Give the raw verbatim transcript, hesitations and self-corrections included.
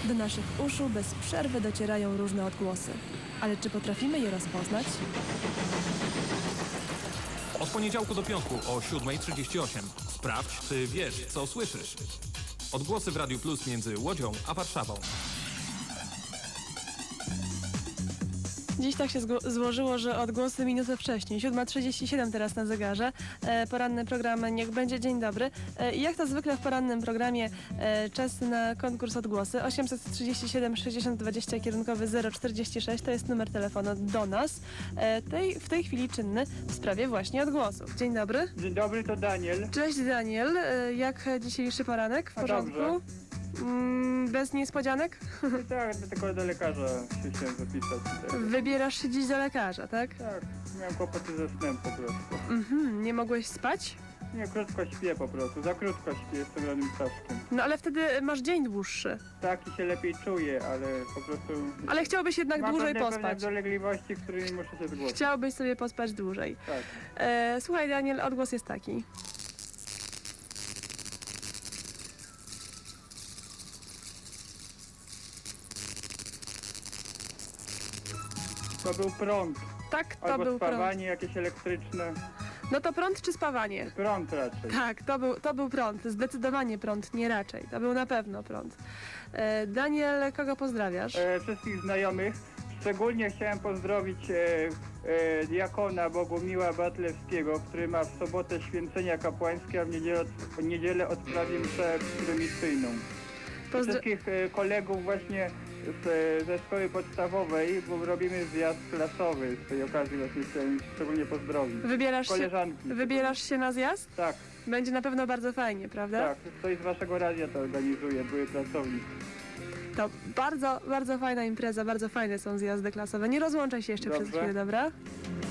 Do naszych uszu bez przerwy docierają różne odgłosy. Ale czy potrafimy je rozpoznać? Od poniedziałku do piątku o siódma trzydzieści osiem. Sprawdź, czy wiesz, co słyszysz. Odgłosy w Radiu Plus między Łodzią a Warszawą. Dziś tak się złożyło, że odgłosy minutę wcześniej. siódma trzydzieści siedem teraz na zegarze. E, poranny program Niech będzie dzień dobry. E, I jak to zwykle w porannym programie e, czas na konkurs odgłosy. osiemset trzydzieści siedem sześćdziesiąt dwadzieścia kierunkowy zero czterdzieści sześć to jest numer telefonu do nas. E, tej, w tej chwili czynny w sprawie właśnie odgłosów. Dzień dobry. Dzień dobry, to Daniel. Cześć Daniel. E, jak dzisiejszy poranek? W A porządku? dobrze. Mm, bez niespodzianek? Tak, tylko do lekarza się chciałem zapisać. Tak, Wybierasz się dziś do lekarza, tak? tak, miałem kłopoty ze snem po prostu. Mhm. Nie mogłeś spać? Nie, krótko śpię po prostu, za krótko śpię, jestem ranym ptaszkiem. No ale wtedy masz dzień dłuższy. Tak i się lepiej czuję, ale po prostu... Ale chciałbyś jednak mam dłużej pewne, pospać. pewne dolegliwości, którymi muszę się zgłosić. Chciałbyś sobie pospać dłużej. Tak. E, słuchaj Daniel, odgłos jest taki. To był prąd, Tak, to albo był prąd. spawanie jakieś elektryczne. No to prąd czy spawanie? Prąd raczej. Tak, to był, to był prąd. Zdecydowanie prąd, nie raczej. To był na pewno prąd. E, Daniel, kogo pozdrawiasz? E, wszystkich znajomych. Szczególnie chciałem pozdrowić e, e, diakona Bogumiła Batlewskiego, który ma w sobotę święcenia kapłańskie, a w niedzielę, w niedzielę odprawi mszę prymicyjną. Pozdro- Wszystkich e, kolegów właśnie z, ze szkoły podstawowej, bo robimy zjazd klasowy. Z tej okazji właśnie chciałem szczególnie pozdrowić. Wybierasz się, Koleżanki. wybierasz się na zjazd? Tak, Będzie na pewno bardzo fajnie, prawda? tak. Ktoś z waszego radia to organizuje, były pracownik. To bardzo, bardzo fajna impreza, bardzo fajne są zjazdy klasowe. Nie rozłączaj się jeszcze przez Dobrze. chwilę, dobra?